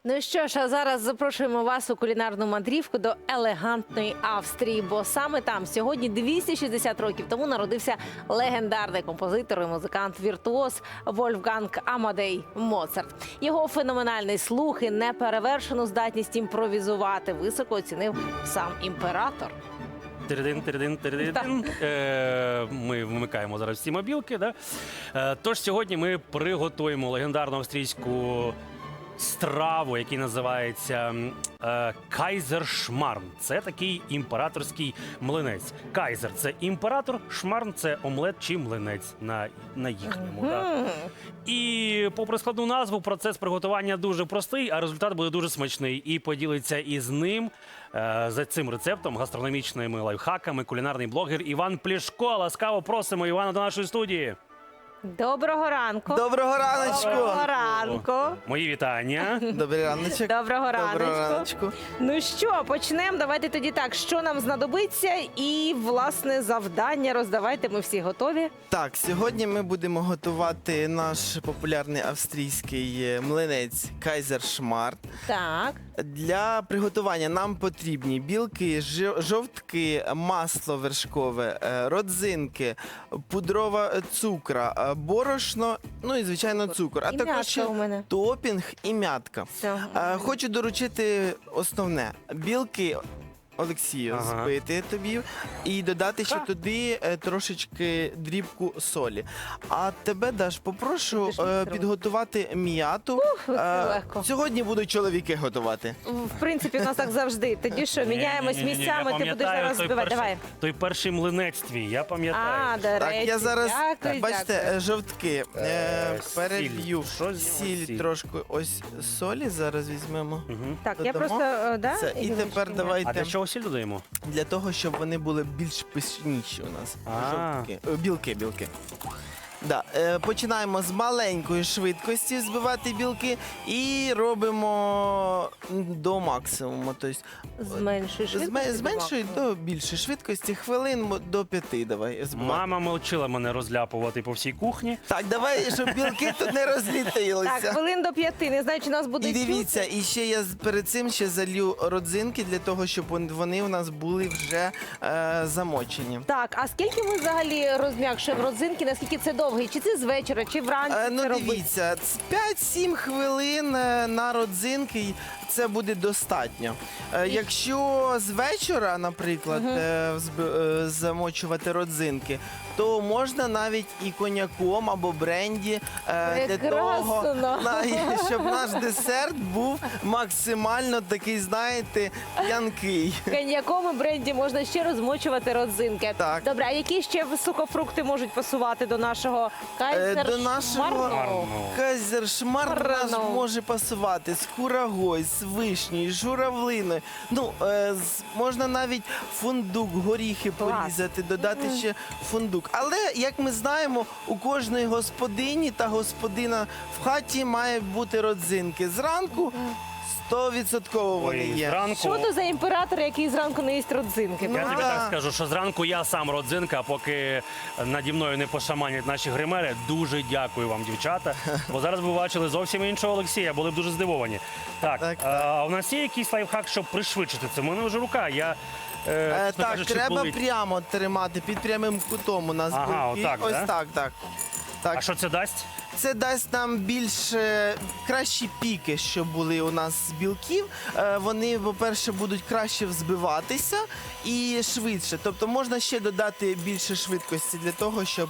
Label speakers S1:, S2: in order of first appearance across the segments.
S1: Ну що ж, а зараз запрошуємо вас у кулінарну мандрівку до елегантної Австрії, бо саме там сьогодні 260 років тому народився легендарний композитор і музикант-віртуоз Вольфганг Амадей Моцарт. Його феноменальний слух і неперевершену здатність імпровізувати високо оцінив сам імператор.
S2: Тиридин. Ми вмикаємо зараз всі мобілки. Да? Тож сьогодні ми приготуємо легендарну австрійську страву, який називається кайзершмарн. Це такий імператорський млинець. Кайзер – це імператор, шмарн – це омлет чи млинець на їхньому. Да? І попри складну назву, процес приготування дуже простий, а результат буде дуже смачний. І поділиться із ним, за цим рецептом, гастрономічними лайфхаками, кулінарний блогер Іван Плішко. Ласкаво просимо Івана до нашої студії.
S1: Доброго ранку.
S3: Доброго раночку!
S1: Доброго ранку.
S2: Мої вітання.
S3: Добрий раночок.
S1: Доброго
S3: Доброго
S1: раночку.
S3: раночку.
S1: Ну що, почнемо. Давайте тоді так, що нам знадобиться і, власне, завдання роздавайте. Ми всі готові.
S3: Так, сьогодні ми будемо готувати наш популярний австрійський млинець кайзершмарн.
S1: Так.
S3: Для приготування нам потрібні білки, жовтки, масло вершкове, родзинки, пудрова цукра, борошно, ну і, звичайно, цукор. А
S1: І
S3: також
S1: м'ятка
S3: ще
S1: у мене.
S3: топінг і м'ятка.
S1: Все.
S3: Хочу доручити основне. Білки, Олексію,
S2: Ага.
S3: збити тобі і додати ще
S1: Ха.
S3: туди трошечки дрібку солі. А тебе, Даш, попрошу
S1: Ти ж мікро.
S3: підготувати м'яту.
S1: це легко.
S3: Сьогодні будуть чоловіки готувати.
S1: В принципі, у нас так завжди. Тоді що, міняємось
S2: Ні-ні-ні,
S1: місцями,
S2: я
S1: ти будеш
S2: пам'ятаю
S1: зараз
S2: той
S1: збивати.
S2: перший-
S1: Давай.
S2: Той перший млинець твій, я пам'ятаю.
S1: А, до
S3: Так,
S1: речі.
S3: я зараз,
S1: Дякую,
S3: бачите,
S1: дякую.
S3: жовтки
S2: Сіль.
S3: переб'ю.
S2: Що з нього
S3: Сіль
S2: сіль?
S3: трошки, ось солі зараз візьмемо.
S2: Мгм.
S1: Так, я
S3: додамо.
S1: просто, да?
S3: Це, і
S1: Ігорочки,
S3: тепер
S1: ні?
S3: давайте
S2: А для чого сіль додаємо?
S3: для того, щоб вони були більш пишніші у нас.
S2: А.
S3: Жовтки. Білки. Да. Починаємо з маленької швидкості збивати білки і робимо до максимуму. Тобто,
S1: Зменшуй швидкість.
S3: з меншої до більшої швидкості, хвилин до 5 давай збивати.
S2: Мама навчила мене розляпувати по всій кухні.
S3: Так, давай, щоб білки тут не розлітилися.
S1: Так, хвилин до 5. Не знаю, чи нас буде
S3: І
S1: чути.
S3: дивіться, і ще я перед цим ще залью родзинки для того, щоб вони у нас були вже замочені.
S1: Так, а скільки ми взагалі розм'якшуємо родзинки? Наскільки це довгий? Чи це з вечора, чи вранці
S3: Ну
S1: це робити?
S3: дивіться, 5-7 хвилин на родзинки це буде достатньо. Якщо з вечора, наприклад, замочувати родзинки, то можна навіть і коньяком або бренді для того,
S1: Прекрасно.
S3: щоб наш десерт був максимально такий, знаєте, п'янкий.
S1: Коньяком і бренді можна ще розмочувати родзинки.
S3: Так.
S1: Добре, а які ще сухофрукти можуть пасувати до нашого кайзершмарну?
S3: До нашого кайзершмарн наш
S1: Марно.
S3: може пасувати з курагою, з вишнею, з журавлиною. Ну, можна навіть фундук, горіхи
S1: Клас.
S3: порізати, додати ще фундук. Але, як ми знаємо, у кожної господині та господина в хаті має бути родзинки. Зранку 100% вони
S2: Ой,
S3: є.
S2: зранку.
S1: Що то за імператор, який зранку не їсть родзинки?
S3: Ну,
S2: Я тобі
S3: да.
S2: так скажу, що зранку я сам родзинка, а поки наді мною не пошаманять наші гримери. Дуже дякую вам, дівчата. Бо зараз ви бачили зовсім іншого Олексія, були б дуже здивовані. Так,
S3: Так,
S2: а у нас є якийсь лайфхак, щоб пришвидшити це? У мене вже рука. Я, чесно
S3: Так,
S2: кажучи,
S3: треба
S2: болить.
S3: прямо тримати, під прямим кутом у нас
S2: Ага,
S3: білки.
S2: отак,
S3: Ось
S2: да?
S3: так. Так.
S2: А що це дасть?
S3: Це дасть нам більш кращі піки, що були у нас з білків. Вони, по-перше, будуть краще взбиватися і швидше. Тобто можна ще додати більше швидкості для того, щоб.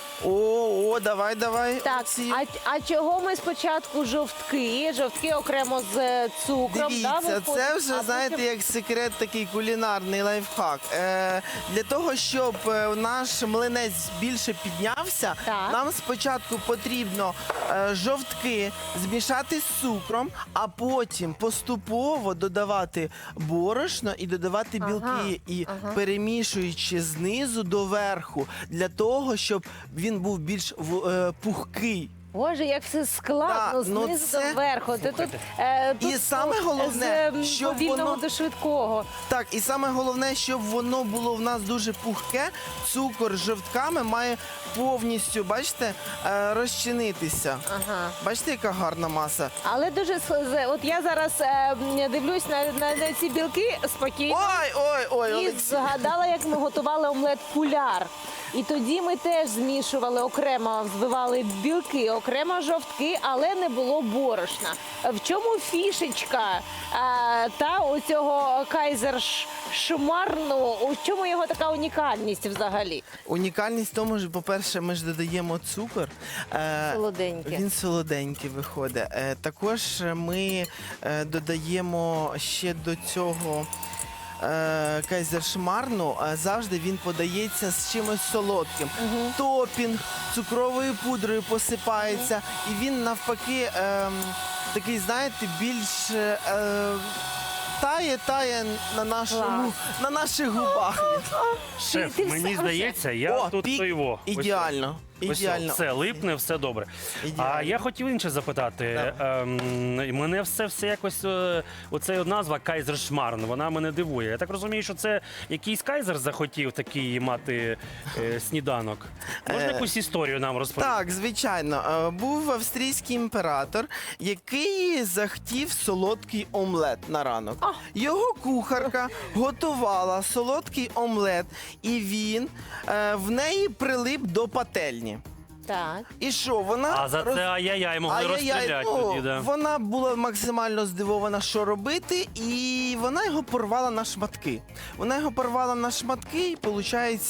S3: Давай.
S1: Так,
S3: Олексій.
S1: а чого ми спочатку жовтки? Жовтки окремо з цукром. да,
S3: Дивіться,
S1: виходить?
S3: це вже,
S1: А
S3: знаєте,
S1: потім-
S3: як секрет, такий кулінарний лайфхак. Для того, щоб наш млинець більше піднявся,
S1: Так.
S3: нам спочатку потрібно жовтки змішати з цукром, а потім поступово додавати борошно і додавати білки, і перемішуючи знизу до верху, для того, щоб він був більш пухкий.
S1: Боже, як все складно,
S3: Да, ну
S1: знизу
S3: це-
S1: до верху. Ти тут,
S3: Слухайте.
S1: тут
S3: І саме головне,
S1: з
S3: щоб
S1: повільного
S3: воно-
S1: до швидкого.
S3: Так, і саме головне, щоб воно було в нас дуже пухке, цукор з жовтками має повністю, бачите, розчинитися.
S1: Ага.
S3: Бачите, яка гарна маса?
S1: Але дуже от я зараз дивлюсь на ці білки спокійно.
S3: Ой,
S1: І
S3: Олексій.
S1: згадала, як ми готували омлет куляр. І тоді ми теж змішували окремо, взбивали білки, окремо жовтки, але не було борошна. В чому фішечка та у цього кайзершмарну, у чому його така унікальність взагалі?
S3: Унікальність в тому, що, по-перше, ми ж додаємо цукор.
S1: Солоденьке.
S3: Він солоденький виходить. Також ми додаємо ще до цього кайзершмарну, завжди він подається з чимось солодким. Топінг цукровою пудрою посипається, і він навпаки такий, знаєте, більш тає на наших губах.
S2: Шеф,
S1: ти
S2: мені
S1: все
S2: здається, я тут
S3: пік
S2: стоїво.
S3: ідеально. Ідеально.
S2: Все липне, все добре.
S3: Ідеально.
S2: А я хотів інше запитати. Мене все якось оця назва Кайзершмарн, вона мене дивує. Я так розумію, що це якийсь кайзер захотів такий мати сніданок. Можна якусь історію нам розповісти?
S3: Так, звичайно. Був австрійський імператор, який захотів солодкий омлет на ранок. Його кухарка готувала солодкий омлет, і він в неї прилип до пательні.
S1: Так.
S3: І що, вона...
S2: А за це ай-яй-яй могли розстріляти тоді, да.
S3: Вона була максимально здивована, що робити, і вона його порвала на шматки. Вона його порвала на шматки і, виходить,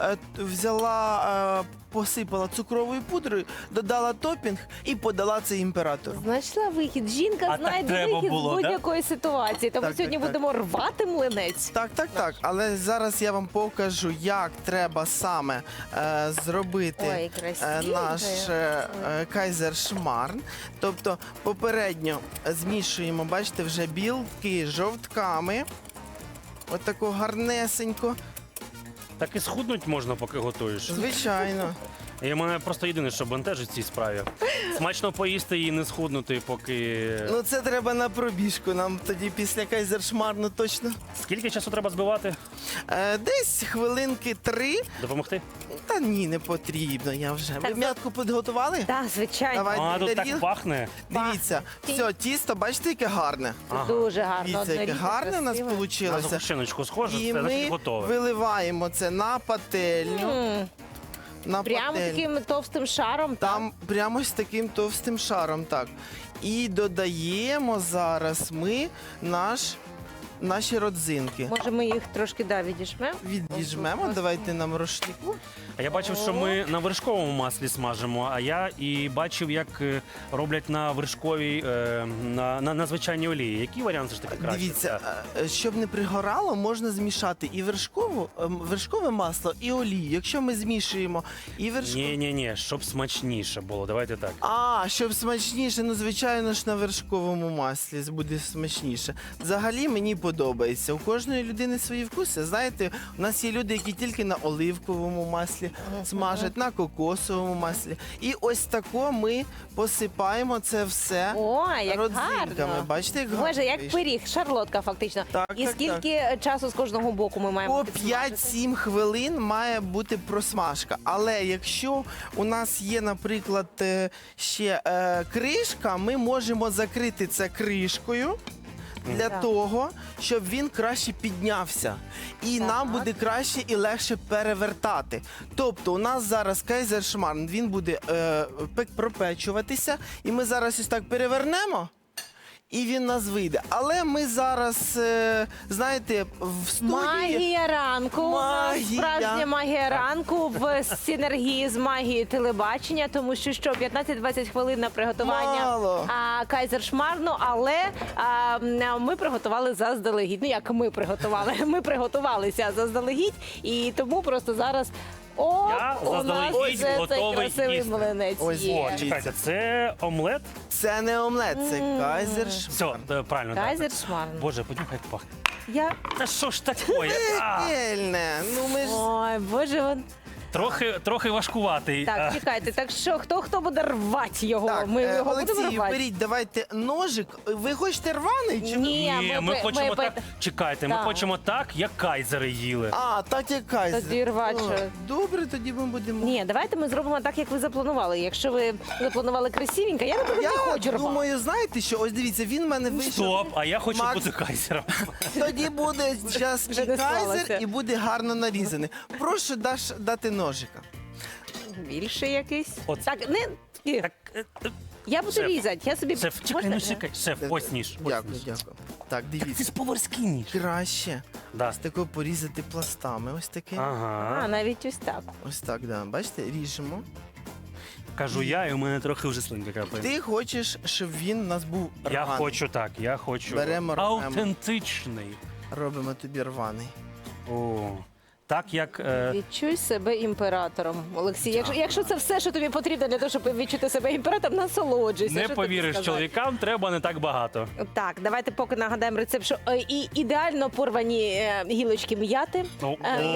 S3: взяла, посипала цукровою пудрою, додала топінг і подала це імператору.
S1: Знайшла вихід. Жінка
S2: А так
S1: знайде
S2: треба
S1: вихід
S2: було,
S1: з
S2: да?
S1: будь-якої ситуації. Тому
S3: Так,
S1: сьогодні
S3: так, так.
S1: будемо рвати млинець.
S3: Так. Але зараз я вам покажу, як треба саме зробити
S1: Ой, красиво.
S3: наш кайзершмарн. Тобто попередньо змішуємо, бачите, вже білки з жовтками. Отако гарнесенько.
S2: Так і схуднуть можна, поки готуєш.
S3: Звичайно.
S2: І мене просто єдине, що бентежить в цій справі. Смачно поїсти і не схуднути, поки...
S3: Ну це треба на пробіжку. Нам тоді після кайзершмарну точно.
S2: Скільки часу треба збивати?
S3: Десь хвилинки 3.
S2: Допомогти?
S3: Та ні, не потрібно, я вже. Ви
S1: Так,
S3: м'ятку підготували?
S1: Так, звичайно.
S3: Давайте
S2: А, тут так
S3: тарілку.
S2: пахне.
S3: Дивіться, все, тісто, бачите, яке гарне.
S2: Ага.
S1: Дуже гарно.
S3: Дивіться, яке
S1: однорідне,
S3: гарне у нас
S1: красиве.
S3: вийшло.
S2: На згущеночку схоже,
S3: І
S2: це значить
S3: ми
S2: готове.
S3: виливаємо це на пательню. На
S1: Прямо
S3: пательню.
S1: таким товстим шаром.
S3: Там прямо з таким товстим шаром, так. І додаємо зараз ми наші родзинки.
S1: Може, ми їх трошки відіжмемо?
S3: Відіжмемо,
S1: Ось,
S3: давайте нам рушнику.
S2: А я бачив, що ми на вершковому маслі смажимо, а я і бачив, як роблять на вершковій, на звичайній олії. Який варіант ж таки краще?
S3: Дивіться, щоб не пригорало, можна змішати і вершкове масло, і олію. Якщо ми змішуємо і вершкове...
S2: Ні, щоб смачніше було. Давайте так.
S3: Щоб смачніше, ну звичайно ж на вершковому маслі буде смачніше. Взагалі мені подобається. У кожної людини свої вкуси. Знаєте, у нас є люди, які тільки на оливковому маслі смажать, на кокосовому маслі. І ось тако ми посипаємо це все
S1: Ой, як
S3: родзинками.
S1: гарно.
S3: Бачите, як гарно
S1: Боже, як
S3: вийшло?
S1: пиріг, шарлотка фактично.
S3: Так,
S1: І
S3: так,
S1: скільки часу з кожного боку ми маємо
S3: По
S1: підсмажити?
S3: 5-7 хвилин має бути просмажка. Але якщо у нас є, наприклад, ще кришка, ми можемо закрити це кришкою для
S1: Так.
S3: того, щоб він краще піднявся. І
S1: Так.
S3: нам буде краще і легше перевертати. Тобто у нас зараз кайзершмарн, він буде пропечуватися, і ми зараз ось так перевернемо. І він нас вийде. Але ми зараз, знаєте, в студії...
S1: Магія ранку. У нас
S3: Магія.
S1: Справжня магія ранку в синергії з магією телебачення, тому що 15-20 хвилин на приготування
S3: Мало.
S1: кайзершмарну, але ми приготували заздалегідь. Ну як ми приготували? Ми приготувалися заздалегідь, і тому просто зараз
S2: Я
S1: у нас
S2: заздалегідь
S1: вже цей
S2: готовий
S1: красивий
S2: їсти.
S1: млинець
S3: Ось,
S1: є.
S3: о,
S2: Чекайте, це омлет?
S3: Це не омлет, це кайзершмарн.
S2: Все, правильно. так.
S1: Кайзершмарн.
S2: Боже, подюхай, як пахне.
S1: Я...
S2: Та що ж таке?
S3: Пельне. Ну ми ж...
S1: Ой, боже,
S2: трохи важкуватий.
S1: Так, чекайте, так що хто буде рвати його?
S3: Так,
S1: Ми його будемо
S3: Олексій,
S1: рвати?
S3: беріть, давайте ножик. Ви хочете рваний? Чи...
S1: Ні,
S2: Ми хочемо так. Чекайте, ми
S1: Так.
S2: хочемо так, як кайзери їли.
S3: А, так як кайзер.
S1: Тоді рвать,
S3: О,
S1: що?
S3: Добре, тоді ми будемо.
S1: Ні, давайте ми зробимо так, як ви запланували. Якщо ви запланували красивенько, я наприклад, не хочу
S3: Я
S1: рвати.
S3: думаю, знаєте що? Ось дивіться, він в мене вийшов.
S2: Стоп, а я хочу
S3: Макс-
S2: бути кайзером.
S3: Тоді буде зараз
S1: Вже не
S3: кайзер
S1: склалося.
S3: і буде гарно нарізаний. Прошу дати ножика.
S1: Більше якийсь.
S2: От.
S1: Так, не...
S2: Так,
S1: Я буду
S2: Шеф.
S1: різати. Я собі...
S2: шеф, чекай,
S1: Можна?
S2: ну чекай. Шеф, ось ніж. ось
S3: Дякую,
S2: ніж.
S3: дякую. Так,
S2: Ти
S3: дивіться.
S2: ж поварський ніж.
S3: Краще
S2: Да.
S3: ось тако порізати пластами. Ось таке.
S1: А,
S2: Ага.
S1: навіть ось так.
S3: Ось так, да. Бачите, ріжемо.
S2: Кажу я, і у мене трохи вже слинка капає.
S3: Ти хочеш, щоб він у нас був
S2: Я
S3: рваний.
S2: хочу так, я хочу
S3: Беремо, рвемо.
S2: автентичний.
S3: Робимо тобі рваний.
S2: О, так як
S1: Відчуй себе імператором, Олексій. Якщо це все, що тобі потрібно для того, щоб відчути себе імператором, насолоджуйся.
S2: не
S1: Що тобі
S2: повіриш,
S1: сказати?
S2: чоловікам треба не так багато.
S1: Так, давайте поки нагадаємо рецепт, що і ідеально порвані гілочки м'яти.
S2: Ну,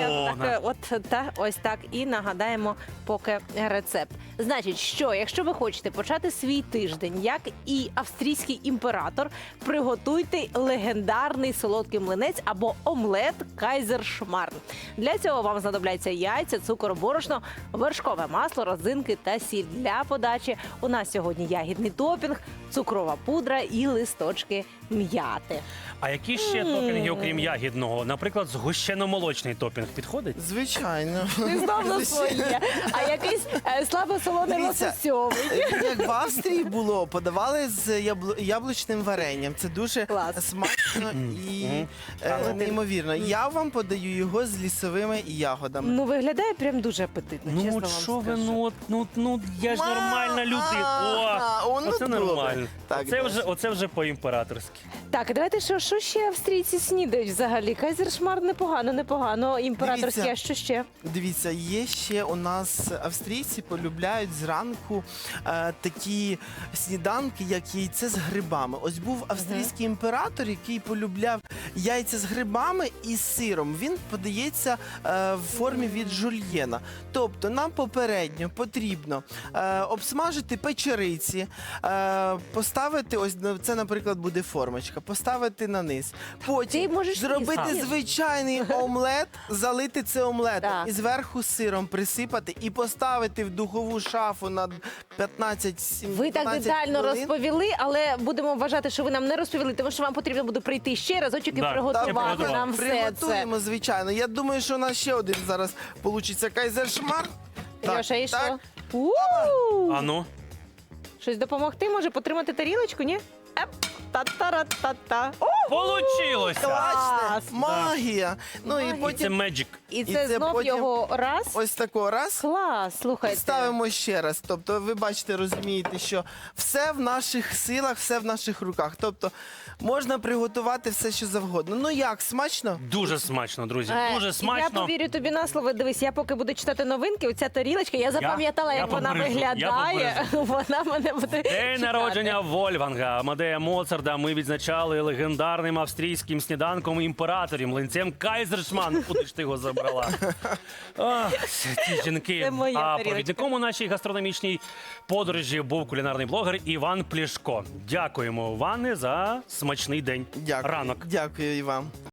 S1: Ось так. І нагадаємо поки рецепт. Значить, що якщо ви хочете почати свій тиждень, як і австрійський імператор, приготуйте легендарний солодкий млинець або омлет кайзершмарн. Для цього вам знадобляться яйця, цукор, борошно, вершкове масло, родзинки та сіль. Для подачі у нас сьогодні ягідний топінг, цукрова пудра і листочки м'яти.
S2: А які ще топінги, окрім ягідного? Наприклад, згущено-молочний топінг підходить?
S3: Звичайно.
S1: Ти знов на своє. А якийсь слабосолоний
S3: Дивіться.
S1: лососьовий.
S3: Як в Австрії було, подавали з яблучним варенням. Це дуже
S1: Клас.
S3: смачно і неймовірно. Я вам подаю його з лісовими ягодами.
S1: Ну, виглядає прям дуже апетитно, чесно
S2: Ну
S1: вам
S2: от що ви,
S1: скажу.
S2: я ж нормальна людина.
S3: ну
S2: Оце
S3: добре.
S2: нормально.
S3: Так,
S2: Оце вже по-імператорськи.
S1: Так, давайте, що ще австрійці снідають взагалі? Кайзершмар непогано. Імператорський,
S3: Дивіться.
S1: а що ще?
S3: Дивіться, є ще у нас австрійці полюбляють зранку такі сніданки, як яйце з грибами. Ось був австрійський імператор, який полюбляв яйця з грибами і з сиром. Він подається в формі від жульєна. Тобто нам попередньо потрібно обсмажити печериці, поставити, ось це, наприклад, буде формочка, поставити на низ. Потім
S1: Ти можеш
S3: зробити
S1: їсти.
S3: звичайний омлет, залити це омлетом
S1: Так.
S3: і зверху сиром присипати і поставити в духову шафу на 15-17
S1: Ви так детально
S3: хвилин.
S1: розповіли, але будемо вважати, що ви нам не розповіли, тому що вам потрібно буде прийти ще разочок і
S2: Да,
S1: приготувати
S2: приготувати.
S1: нам все це.
S3: Приготуємо, звичайно. Я думаю, що у нас ще один зараз получиться кайзершмар.
S1: Льоша, і що?
S3: так.
S2: А ну?
S1: Щось допомогти може? Потримати тарілочку, ні? Еп, та-та-ра-та-та. О,
S2: Получилося!
S3: Класне,
S1: Клас.
S3: магія. Ну і
S1: Магія.
S2: Це
S3: потім
S2: меджик.
S1: і це
S3: це
S1: знов
S3: потім-
S1: його раз.
S3: ось тако раз.
S1: Клас, слухайте.
S3: Ставимо ще раз. Тобто, ви бачите, розумієте, що все в наших силах, все в наших руках. Тобто можна приготувати все, що завгодно. Ну як, смачно?
S2: Дуже смачно, друзі. Дуже
S1: Я
S2: смачно.
S1: повірю тобі на слово. Дивись, я поки буду читати новинки, оця тарілочка, я запам'ятала,
S2: я
S1: як вона
S2: побережу, я
S1: виглядає. Вона мене буде
S2: День
S1: чекати.
S2: народження Вольфганга Амадея Моцарда ми відзначали легендарним австрійським сніданком імператорів, млинцем Кайзершман. Куди ж ти його забрала? Ах, ці жінки.
S1: Це моя
S2: А
S1: тарілочка.
S2: провідником у нашій гастрономічній подорожі був кулінарний блогер Іван Плішко. Дякуємо, Іване, за смачний день.
S3: Дякую.
S2: Ранок.
S3: Дякую і вам.